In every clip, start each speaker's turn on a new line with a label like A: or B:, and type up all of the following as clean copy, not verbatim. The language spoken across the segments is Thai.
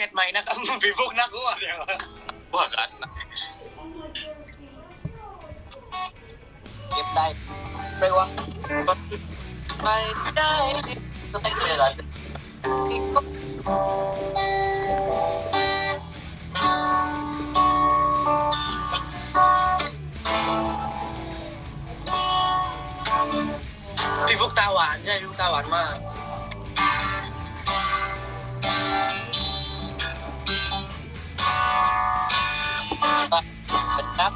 A: ดใหม่นะครับพี่พวกนักอ้วนเนี่ยพวกกัน
B: เก็บได้เรียกว่าไปได้สเต็กเลยเหรอ
A: พี่พวกตาหวานใช่พี่พวกตาหวานมาก
B: ครับ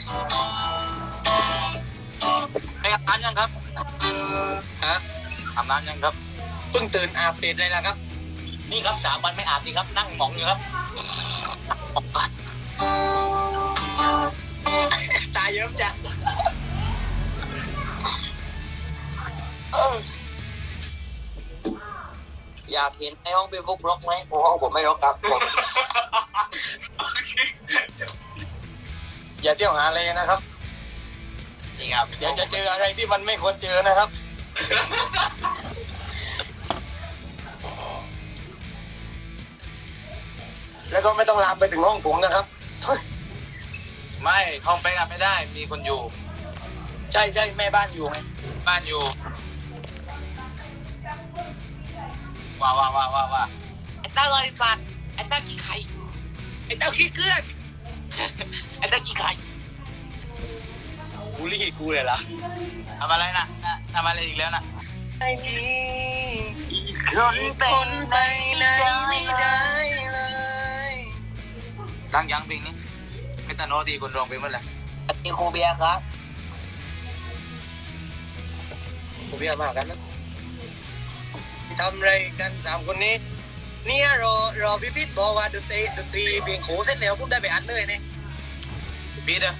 B: ไปอาบน้ำยังครับ
A: ฮะ
B: อาบน้ำยังครับ
A: เพิ่งตื่นอาบเปรตเลยละครับ
B: นี่ครับ3 วันไม่อาบดีครับนั่งหมองอยู่ครับ
A: ตาเยิ้มจัง
B: อยากเห็นในห้องพี่ฟุกรกไหมห้องผมไม่รกครับผม
A: อย่าเที่ยวหาเลยนะครับนี่ครับเดี๋ยวจะเจออะไรที่มันไม่ควรเจอนะครับ แล้วก็ไม่ต้องลามไปถึงห้องผมนะครับ
B: ไม่ห้องไปอาบไม่ได้มีคนอยู่
A: ใช่ใช่แม่บ้านอยู่ไง
B: บ้านอยู่ว่าไอ้ต้าบริษัทไอ้ต้ากี่ไข่
A: ไอ้เต้าขี้เกลือน
B: ไอ้ต้ากี่ไข่
A: บูลลี่กูเลยล่ะ
B: ทำอะไรนะทำอะไรอีกแล้วนะ
A: ไอ้นี่คนเป็นไปไหนไม่ได้เลย
B: ตั้งยังเพลงนี้ไม่ตันโนทีคนร้องเพลงเมื่อไหร่ตีครูเบียร์ครับ
A: ผมเบียร์มากกันนะทำอะไรกัน3 คนนี้เนี่ยรอพี่พิษบอกว่าดนตรีเพลงโขเสร็จแล้วผมได้ไปอัดเลยเนี่ย
B: พี่เด้อ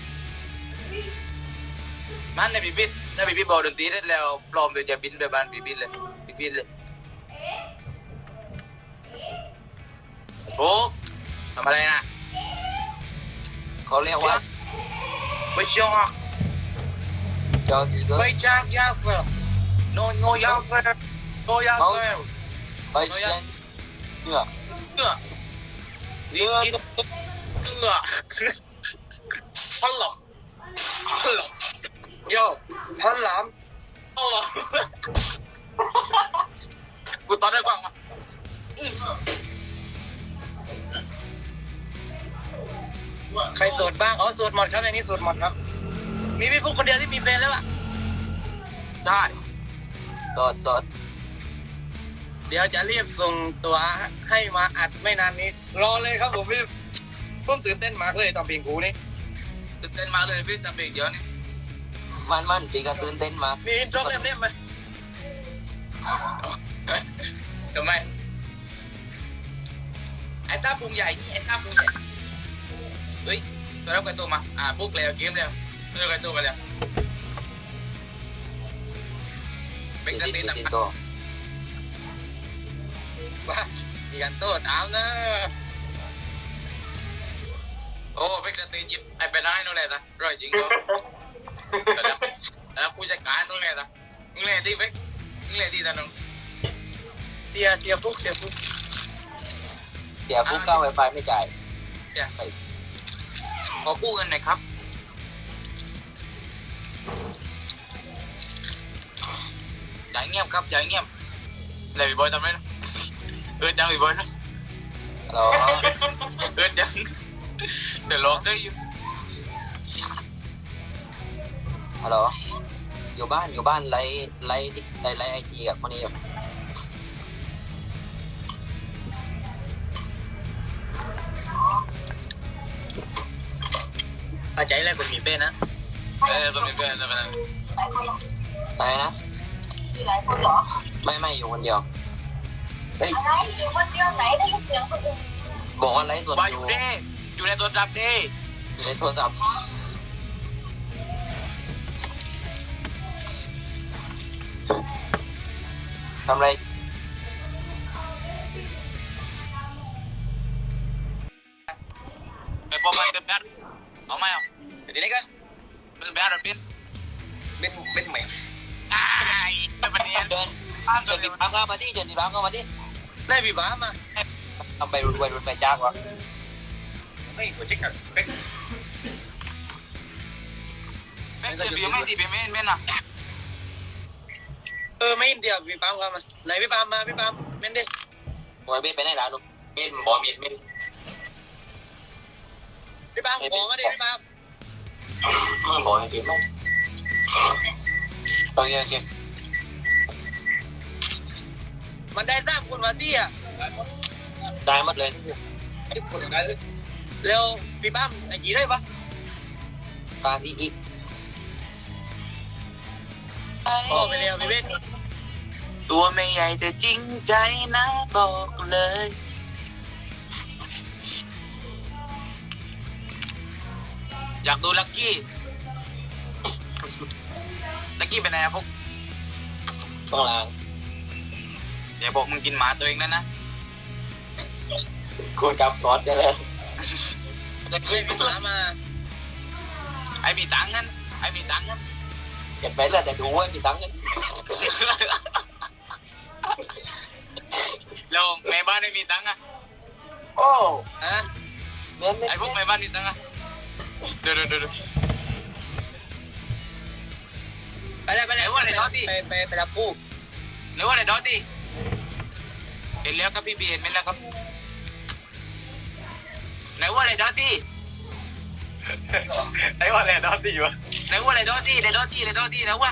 B: มันในพี่พิษถ้าพี่พิษบอกดนตรีเสร็จแล้วพร้อมเดี๋ยวจะบินไปบ้านพี่พิษเลยโอ้ทำอะไรนะเขาเรียกว่าไปชกจอดีก็
A: ไปจากยาเสพ
B: โนยาเซไปเชียนเนื้อพันหลอม
A: โยพันหลาม
B: กูตอนได้ฟังมา
A: ใครโสดบ้างอ๋อโสดหมดครับในนี้โสดหมดครับมีพี่ฟุกคนเดียวที่มีแฟนแล้วอะ
B: ได้สด
A: เดี๋ยวจะรีบส่งตัวให้มาอัดไม่นานนี้รอเลยครับผมพี่ผมตื่นเต้นมากเลยตอนเพลงกูนี่
B: ตื่นเต้นมาเลยพี่จะเพลงเยอะนี่มันจริงก็ตื่นเต้นมาก
A: มีอินโทรเล่มไหม
B: ทำไมไอ้ต้าปุงใหญ่นี่ไอ้ต้าปุงใหญ่เฮ้ยตัวรับกันตัวมาปุ๊กแล้วเกมแล้วเลือกกันตัวกันแล้วเป็นกันตีนต่าง
A: ว่ามีกันโต้ตามนะ
B: โอ้เป็นกันตีนหยิบไอ้ไปได้นู่นเลยนะร่อยจริงก็แล้วผู้จัดการนู่นเลยนะมึงเลยดีไหมมึงเลยดีตาน้อง
A: เสียฟุก
B: เดี๋ยวกู้ก้าวไวไฟไม่จ่ายขอกู้เงินหน่อยครับจ่ายเงียบครับจ่ายเงียบเลยพี่บอยทำไมนะจังพี่บอยนะฮัลโหลจังเดี๋ยวรอซื้ออยู่ฮัลโหลอยู่บ้านไลฟ์ไอจีกับคนนี้อยู่
A: อาใจอะไรคนมีแฟนนะ
B: คนมีแฟนอะไรนะ
C: อยู่หลายคนเหรอ
B: ไม่อยู่คนเดียว
C: อะไรอยู่คนเดียวไหนได้ยินเสียงคนอื่น
B: บอกว่าไลฟ์สดอยู่ในโทรศัพท์ดิอยู่ในโทรศัพท์ทำอะไรไปพบมันกัน เอาไหมเอา
A: เดี๋ยวนี้ก็
B: เป็นแบบอะไร
A: เป็นใหม่
B: เป็นวันนี้เดินติดบ้านเข้ามาดิ
A: ได้พี่บ้ามา
D: ทำไปรวยรถไฟจ้างวะ
A: ไม่หัวเช็คกันเป็น
B: เป็นจะบีไม่ดีเป็นไม่นะ
A: ไม่เดียวพี่ปามกันมาไหนพี่ปามมาพี่ปามเม่นดิ
D: โอ้ยเบนไปไหนแล้วนุ๊ก
B: เม็นบอมีเม็น
A: พี่ปามขอมาดิพี่ปาม
B: บอมีไม่
D: โอเคโอเค
A: มันได้ทราบคุณมาที่อ่ะ
D: ได้หมดเลย
A: เร็วพี่ปามไอ้กี่ได้ปะ
D: ตาที่อีก
A: พอไปเร็วพี่เบน
B: ตัวไม่ใหญ่แต่จริงใจนะบอกเลยอยากดูลักกี้ลักกี้เป็นไงพวก
D: ต้องล้าง
B: อย่าบอกมึงกินหมาตัวเองแล้วนะ
D: คุณกับซอสใช่ไหม
A: เฮ้ยพี่หมามา
B: ไอ้มีตังค์งั้นไอ้มีตังค์งั้น
D: เก็บไปเลยแต่ดูไว้มีตังค์กัน
B: แล้วแม่บ้านไม่มีตังค์อ่ะ
D: โอ้
A: ฮะ
D: เน้น
B: ไอ้พวกแม่บ้านมีตังค์อ่ะเดี๋ยว
A: ไปเลยไปเลยไปรับผู้
B: หรือว่าอะไรดอตตี้เห็นแล้วครับพี่บีเห็นไหมแล้วครับไหนว่าอะไรดอตตี้
A: ไอ้ว่าอะไรดอตตี้วะ
B: ไหนว่าอะไรดอตตี้ไหนดอตตี้ไหนดอตตี้นะวะ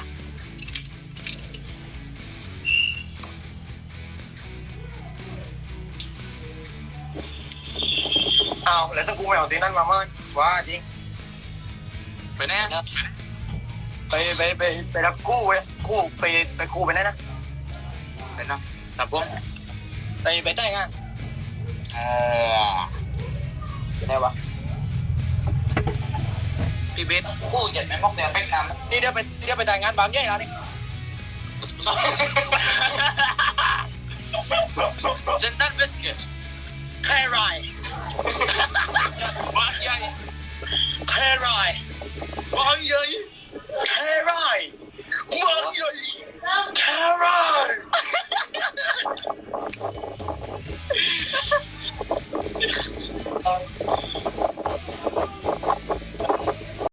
A: เอาแล้วถ้ากูไม่เอาตีนั่นมามั้งว่าจริง
B: ไปไหนอะ
A: ไปรับกู้เลยกู้ไปกู้ไปไหนนะ
B: ไปนะตับผม
A: ไปแต่งงาน
B: อ๋อ
D: เป็นไงวะ
B: พี่เบสคู่ใหญ่แม่มอกเดียวแป้งน้ำ
A: นี่เดี๋ยวไปแต่งงานบางใหญ่แล้วนี่
B: เซนตันเบสเกส
A: แค่ไร